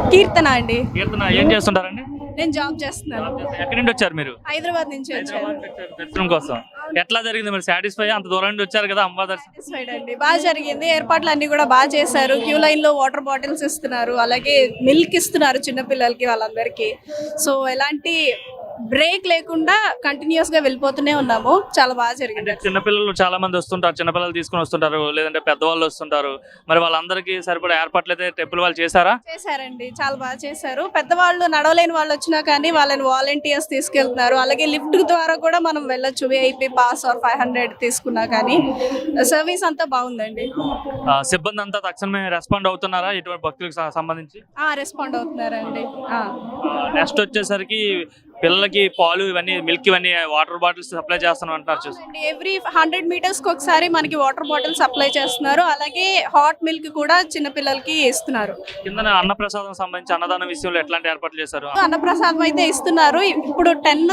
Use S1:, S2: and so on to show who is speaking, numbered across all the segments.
S1: కీర్తన అండి.
S2: కీర్తన ఏం చేస్తుంటారండి?
S1: నేను జాబ్ చేస్తున్నాను.
S2: ఎక్కడి నుండి వచ్చారు మీరు?
S1: హైదరాబాద్ నుంచి వచ్చాను.
S2: దర్శనం కోసం ఎట్లా జరిగింది మరి? సాటిస్ఫై? అంత దూరం నుండి వచ్చారు కదా అమ్మవారి దర్శనం.
S1: సాటిస్ఫైడ్ అండి. బాగా జరిగింది. ఏర్పాట్లు అన్ని కూడా బాగా చేశారు. క్యూ లైన్ లో వాటర్ బాటిల్స్ ఇస్తున్నారు, అలాగే మిల్క్ ఇస్తున్నారు చిన్నపిల్లలకి వాళ్ళందరికీ. సో ఎలాంటి బ్రేక్ లేకుండా కంటిన్యూస్ గా వెళ్ళిపోతూనే ఉన్నాము. చాలా బాగా జరిగింది.
S2: చిన్నపిల్లలు చాలా మంది వస్తుంటారు, చిన్నపిల్లలు తీసుకుని వస్తుంటారు, లేదంటే పెద్దవాళ్ళు వస్తుంటారు. మరి వాళ్ళందరికీ సరిపడా ఏర్పాట్లు అయితే టెంపుల్ వాళ్ళు చేశారా?
S1: చేశారండి, చాలా బాగా చేశారు. పెద్దవాళ్ళు నడవలేని వాళ్ళు వచ్చినా కానీ వాళ్ళని వాలంటీర్స్ తీసుకెళ్తున్నారు. అలాగే లిఫ్ట్ ద్వారా కూడా మనం వెళ్ళొచ్చు. విఐపి పాస్ ఆర్ 500 తీసుకున్నా కానీ సర్వీస్ అంతా బాగుందండి.
S2: సిబ్బంది అంతా తక్షణమే రెస్పాండ్ అవుతున్నారా ఇటువంటి భక్తులకు సంబంధించి?
S1: రెస్పాండ్ అవుతున్నారండి.
S2: నెక్స్ట్ వచ్చేసరికి పిల్లలకి పాలు ఇవన్నీ, మిల్క్ ఇవన్నీ, వాటర్ బాటిల్స్ సప్లై చేస్తాను అంటున్నారు. చూసి
S1: ఎవ్రీ 100 మీటర్స్ కి ఒకసారి మనకి వాటర్ బాటిల్ సప్లై చేస్తున్నారు. అలాగే హాట్ మిల్క్ కూడా చిన్న పిల్లలకి ఇస్తున్నారు.
S2: కింద అన్నప్రసాదం సంబంధించి అన్నదాన విషయంలో ఎట్లాంటి ఏర్పాట్లు చేశారు?
S1: అన్నప్రసాదం అయితే ఇస్తున్నారు. ఇప్పుడు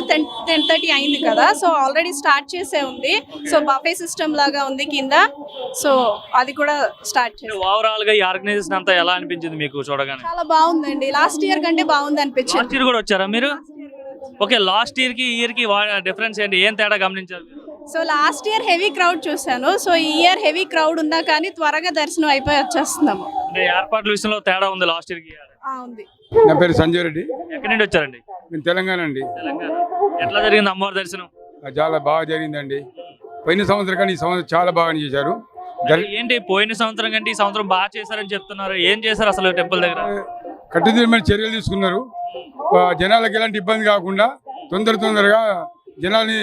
S1: 10:30 అయింది కదా, సో ఆల్రెడీ స్టార్ట్ చేసే ఉంది. సో బఫే సిస్టమ్ లాగా ఉంది కింద. సో అది కూడా స్టార్ట్ చేసి
S2: ఓవరాల్ గా ఈ ఆర్గనైజేషన్ అంతా ఎలా అనిపించింది మీకు చూడగానే?
S1: చాలా బాగుందండి. లాస్ట్ ఇయర్ కంటే బాగుంది అనిపించింది.
S2: లాస్ట్ ఇయర్ కూడా వచ్చారా మీరు? ఓకే, లాస్ట్ ఇయర్ కి ఈ ఇయర్ కి డిఫరెన్స్ ఏంటి? ఏం తేడా గమనించారు?
S1: So last year heavy crowd చూసాను. సో ఈ ఇయర్ హెవీ క్రౌడ్ ఉన్నా కానీ త్వరగా దర్శనం అయిపోయి వచ్చేస్తున్నాము.
S2: అంటే ఏర్పాట్ల విషయంలో తేడా ఉంది లాస్ట్ ఇయర్ కి?
S1: ఉంది.
S3: నా పేరు సంజయ్ రెడ్డి.
S2: ఎక్కడి నుండి వచ్చారండి?
S3: నేను తెలంగాణ అండి.
S2: తెలంగాణ. ఎట్లా జరిగింది అమ్మవారి దర్శనం?
S3: చాలా బాగా జరిగిందండి. పోయిన సంవత్సరం కానీ ఈ సంవత్సరం చాలా బాగా చేశారు.
S2: ఏంటి పోయిన సంవత్సరం కంటే ఈ సంవత్సరం బాగా చేశారని చెప్తున్నారు. ఏం చేశారు అసలు టెంపుల్ దగ్గర?
S3: కట్టుదిట్టమైన చర్యలు తీసుకున్నారు. జనాలకు ఎలాంటి ఇబ్బంది కాకుండా తొందరగా జనాల్ని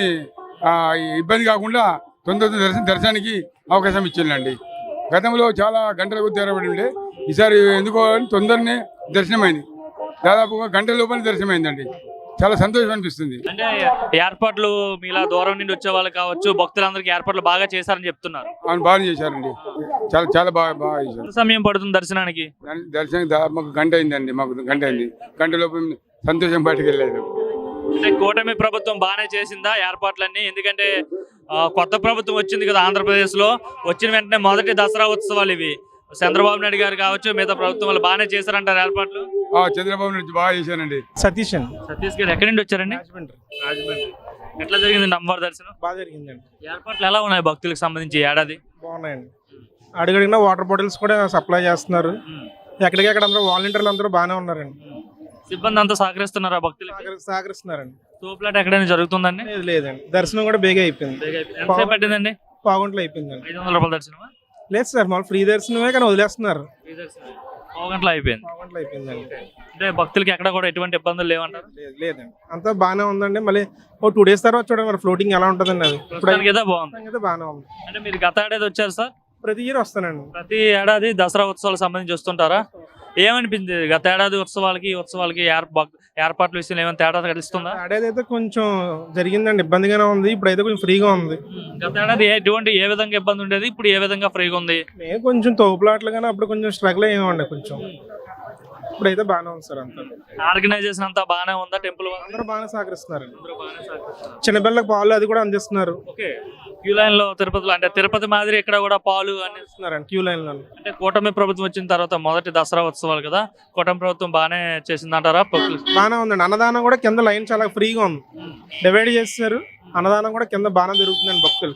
S3: ఇబ్బంది కాకుండా దర్శనానికి అవకాశం ఇచ్చిందండి. గతంలో చాలా గంటలకు తెరబడి ఉండే, ఈసారి ఎందుకో తొందరనే దర్శనమైంది. దాదాపుగా గంటల లోపల దర్శనమైందండి. చాలా సంతోషం అనిపిస్తుంది.
S2: అంటే ఏర్పాట్లు మీలా దూరం నుండి వచ్చే వాళ్ళు కావచ్చు, భక్తులందరికీ ఏర్పాట్లు బాగా చేశారని చెప్తున్నారు.
S3: అవును, బాగా చేశారండి. చాలా చాలా బాగా చేశారు.
S2: ఎంత సమయం పడుతుంది దర్శనానికి?
S3: దర్శనానికి మాకు గంట అయిందండి. గంట గంట లోపల సంతోషం బయటకు వెళ్ళలేదు.
S2: అంటే కూటమి ప్రభుత్వం బాగానే చేసిందా ఏర్పాట్లన్నీ? ఎందుకంటే కొత్త ప్రభుత్వం వచ్చింది కదా ఆంధ్రప్రదేశ్ లో. వచ్చిన వెంటనే మొదటి దసరా ఉత్సవాలు ఇవి. చంద్రబాబు నాయుడు గారు కావచ్చు, మిగతా ప్రభుత్వం వాళ్ళు బాగానే చేశారంటారు ఏర్పాట్లు.
S3: చంద్రబాబు నాయుడు బాగా చేశానండి.
S4: సతీష్
S2: గారు ఎక్కడి నుండి వచ్చారండి?
S4: రాజమండ్రి.
S2: ఎట్లా జరిగిందండి అమ్మవారి దర్శనం?
S4: బాగా జరిగిందండి.
S2: ఏర్పాట్లు ఎలా ఉన్నాయి భక్తులకు సంబంధించి ఏడాది?
S4: బాగున్నాయండి. అడుగడిగిన వాటర్ బాటిల్స్ కూడా సప్లై చేస్తున్నారు. ఎక్కడికెక్కడ అందరూ వాలంటీర్లు అందరూ బాగానే ఉన్నారండి.
S2: సిబ్బంది అంతా సహకరిస్తున్నారా భక్తులు?
S4: సహకరిస్తున్నారండి.
S2: తోపులాట ఎక్కడైనా జరుగుతుందండి?
S4: లేదండి, దర్శనం కూడా బేగా అయిపోయింది.
S2: ఎంతసేపు పట్టిందండి?
S4: పావుగంటలు అయిపోయిందండి.
S2: 500 రూపాయల దర్శనం?
S4: లేదు సార్, మామూలు ఫ్రీ దర్శనమే, కానీ వదిలేస్తున్నారు.
S2: పావుగంటలో అయిపోయింది.
S4: పావుగంటలు అయిపోయిందండి.
S2: అంటే భక్తులకి ఎక్కడ కూడా ఎటువంటి ఇబ్బందులు లేవంటారు?
S4: లేదండి, అంతా బాగానే ఉందండి. మళ్ళీ 2 days తర్వాత చూడండి మరి ఫ్లోటింగ్ ఎలా ఉంటుందండి. అది
S2: ఇప్పుడు బాగుంది,
S4: బాగానే ఉంది.
S2: అంటే మీరు గత ఏడాది వచ్చారు సార్?
S4: ప్రతి ఇయర్ వస్తానండి.
S2: ప్రతి ఏడాది దసరా ఉత్సవాలకు సంబంధించి వస్తుంటారా? ఏమనిపించింది గత ఏడాది ఉత్సవాలకి ఏర్పాట్ల విషయంలో ఏమైనా తేడా తెలుస్తుందా?
S4: ఏడాది అయితే కొంచెం జరిగిందండి, ఇబ్బందిగానే ఉంది. ఇప్పుడైతే కొంచెం ఫ్రీగా ఉంది.
S2: గత ఏడాది ఏ విధంగా ఇబ్బంది ఉండేది, ఇప్పుడు ఏ విధంగా ఫ్రీగా ఉంది?
S4: నేను కొంచెం తోపులాట్లు కానీ అప్పుడు కొంచెం స్ట్రగుల్ అయ్యామండి కొంచెం. ఇప్పుడైతే బాగానే ఉంది సార్. అంతా
S2: ఆర్గనైజేషన్ అంతా బాగానే ఉందా? టెంపుల్
S4: అందరూ బాగానే సహకరిస్తున్నారు. చిన్నపిల్లలకు పాలు అది కూడా అందిస్తున్నారు.
S2: క్యూ లైన్ లో తిరుపతిలో, అంటే తిరుపతి మాదిరి ఇక్కడ కూడా పాలు
S4: అందిస్తున్నారండి క్యూ లైన్ లో.
S2: అంటే కూటమి ప్రభుత్వం వచ్చిన తర్వాత మొదటి దసరా ఉత్సవాలు కదా, కూటమి ప్రభుత్వం బాగానే చేసిందంటారా?
S4: బాగానే ఉందండి. అన్నదానం కూడా కింద లైన్ చాలా ఫ్రీగా ఉంది, డివైడ్ చేస్తారు. అన్నదానం కూడా కింద బాగానే జరుగుతుందండి భక్తులు.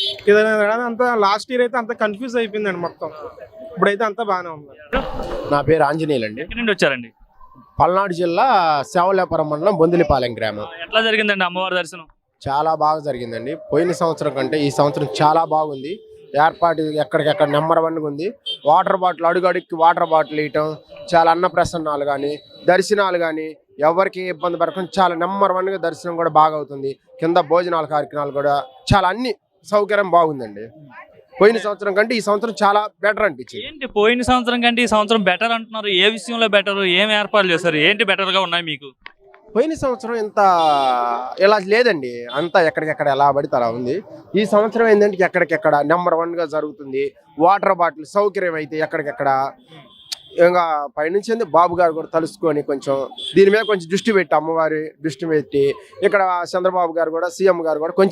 S4: అంతా లాస్ట్ ఇయర్ అయితే అంత కన్ఫ్యూజ్ అయిపోయిందండి మొత్తం. ఇప్పుడైతే అంతా బాగానే ఉంది.
S5: నా పేరు ఆంజనేయులండి.
S2: ఎక్కడి నుండి వచ్చారండి?
S5: పల్నాడు జిల్లా సేవలేపురం మండలం బొందిలిపాలెం గ్రామం.
S2: ఎట్లా జరిగిందండి అమ్మవారి దర్శనం?
S5: చాలా బాగా జరిగిందండి. పోయిన సంవత్సరం కంటే ఈ సంవత్సరం చాలా బాగుంది. ఏర్పాటు ఎక్కడికెక్కడ నెంబర్ 1గా ఉంది. వాటర్ బాటిల్ అడుగడుక్కి వాటర్ బాటిల్ ఇవ్వటం, చాలా అన్నప్రసన్నాలు కానీ దర్శనాలు కానీ ఎవరికి ఇబ్బంది పడకుండా చాలా నెంబర్ 1గా దర్శనం కూడా బాగా అవుతుంది. కింద భోజనాల కార్యక్రమాలు కూడా చాలా అన్ని సౌకర్యం బాగుందండి. పోయిన సంవత్సరం కంటే ఈ సంవత్సరం చాలా బెటర్ అనిపించింది.
S2: ఏంటి పోయిన సంవత్సరం కంటే ఈ సంవత్సరం బెటర్ అంటున్నారు? ఏ విషయంలో బెటర్? ఏం ఏర్పాట్లు చేస్తారు? ఏంటి బెటర్ గా ఉన్నాయి మీకు?
S5: పోయిన సంవత్సరం ఇంత ఇలా లేదండి, అంతా ఎక్కడికెక్కడ ఎలా పడితే అలా ఉంది. ఈ సంవత్సరం ఏంటంటే ఎక్కడికెక్కడ నెంబర్ 1గా జరుగుతుంది. వాటర్ బాటిల్ సౌకర్యం అయితే ఎక్కడికెక్కడ ఇంకా పైనుంచి బాబు గారు కూడా తలుసుకొని కొంచెం దీని మీద కొంచెం దృష్టి పెట్టి, అమ్మవారి దృష్టి పెట్టి, ఇక్కడ చంద్రబాబు గారు కూడా సీఎం గారు కూడా కొంచెం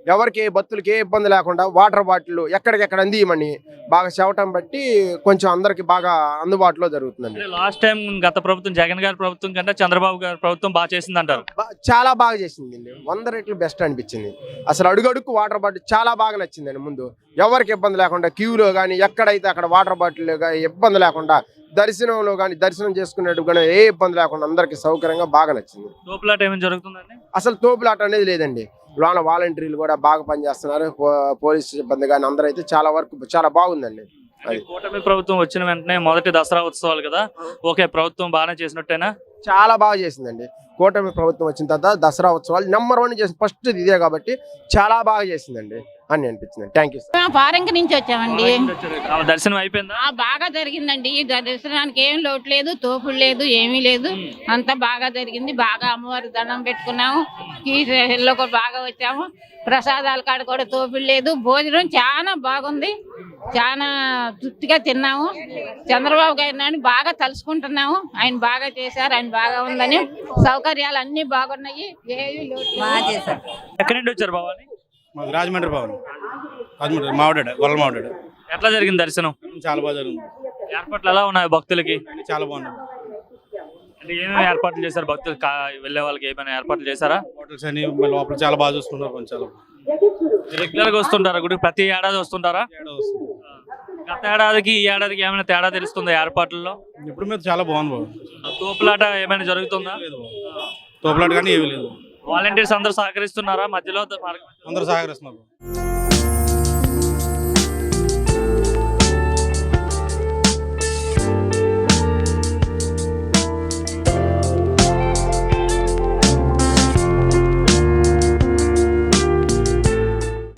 S5: ఎవరికి భక్తులకి ఏ ఇబ్బంది లేకుండా వాటర్ బాటిల్ ఎక్కడికెక్కడ అందియమని బాగా చెవటం బట్టి కొంచెం అందరికి బాగా అందుబాటులో జరుగుతుందండి.
S2: లాస్ట్ టైం గత ప్రభుత్వం జగన్ గారి ప్రభుత్వం కంటే చంద్రబాబు గారి ప్రభుత్వం బాగా చేసింది అంటారు.
S5: చాలా బాగా చేసిందండి, 100 రెట్లు బెస్ట్ అనిపించింది. అసలు అడుగడుక్కు వాటర్ బాటిల్ చాలా బాగా నచ్చిందండి. ముందు ఎవరికి ఇబ్బంది లేకుండా క్యూలో కానీ ఎక్కడైతే అక్కడ వాటర్ బాటిల్ కానీ ఇబ్బంది లేకుండా, దర్శనంలో కానీ దర్శనం చేసుకునేట్టు కానీ ఏ ఇబ్బంది లేకుండా అందరికి సౌకర్యంగా బాగా నచ్చింది.
S2: తోపులాట ఏమైనా జరుగుతుందండి?
S5: అసలు తోపులాట అనేది లేదండి. లోన వాలంటీర్లు కూడా బాగా పనిచేస్తున్నారు, పోలీసు సిబ్బంది కానీ అందరూ అయితే చాలా వరకు చాలా బాగుందండి.
S2: అంటే కూటమి ప్రభుత్వం వచ్చిన వెంటనే మొదటి దసరా ఉత్సవాలు కదా, ఓకే ప్రభుత్వం బాగానే చేసినట్టేనా?
S5: చాలా బాగా చేసిందండి. కూటమి ప్రభుత్వం వచ్చిన తర్వాత దసరా ఉత్సవాలు నెంబర్ 1 చేసింది. ఫస్ట్ ఇదే కాబట్టి చాలా బాగా చేసిందండి అని అనిపించింది. Thank you sir.
S6: మేము ఫారెన్ నుంచి వచ్చామండి.
S2: దర్శనం అయిపోయిందా?
S6: బాగా జరిగిందండి. ఈ దర్శనానికి ఏం లోటు లేదు, తోపుడు లేదు, ఏమీ లేదు. అంతా బాగా జరిగింది. బాగా అమ్మవారి దండం పెట్టుకున్నాము. కీలో కూడా బాగా వచ్చాము. ప్రసాదాల కాడ కూడా తోపుడు లేదు. భోజనం చాలా బాగుంది. చాలా తృప్తిగా తిన్నాము. చంద్రబాబు గారిని బాగా తలుసుకుంటున్నాము. ఆయన బాగా చేశారు, ఆయన బాగా ఉందని. సౌకర్యాలు అన్ని బాగున్నాయి, ఏమీ లోటు లేదు.
S2: ఎక్కడి నుండి వచ్చారు బాబాని?
S7: మాది రాజమండ్రి భవన్, రాజమండ్రి మావిడాడు, గొల్ల మావిడాడు.
S2: ఎట్లా జరిగింది దర్శనం?
S7: చాలా బాగా జరిగింది.
S2: ఏర్పాట్లు ఎలా ఉన్నాయి భక్తులకి?
S7: అన్ని చాలా బాగున్నాయి.
S2: అంటే ఏమేమి ఏర్పాట్లు చేశారు భక్తులు వెళ్ళే వాళ్ళకి? ఏమైనా ఏర్పాట్లు చేశారా?
S7: హోటల్స్ అని లోపల చాలా బాగా చూసుకుంటారు. కొంచెం చాలా
S2: రెగ్యులర్ గా వస్తుంటారా గుడికి? ప్రతి ఏడాది వస్తుంటారా?
S7: తేడా వస్తుంది.
S2: గత ఏడాదికి ఈ ఏడాదికి ఏమైనా తేడా తెలుస్తుందా ఏర్పాట్లలో?
S7: ఇప్పుడు మీద చాలా బాగుంది బాబు.
S2: తోపులాట ఏమైనా జరుగుతుందా?
S7: లేదు బాబు, తోపులాట కానీ ఏమీ లేదు.
S2: వాలంటీర్స్ అందరూ సహకరిస్తున్నారా మధ్యలో?
S7: అందరూ సహకరిస్తున్నారు.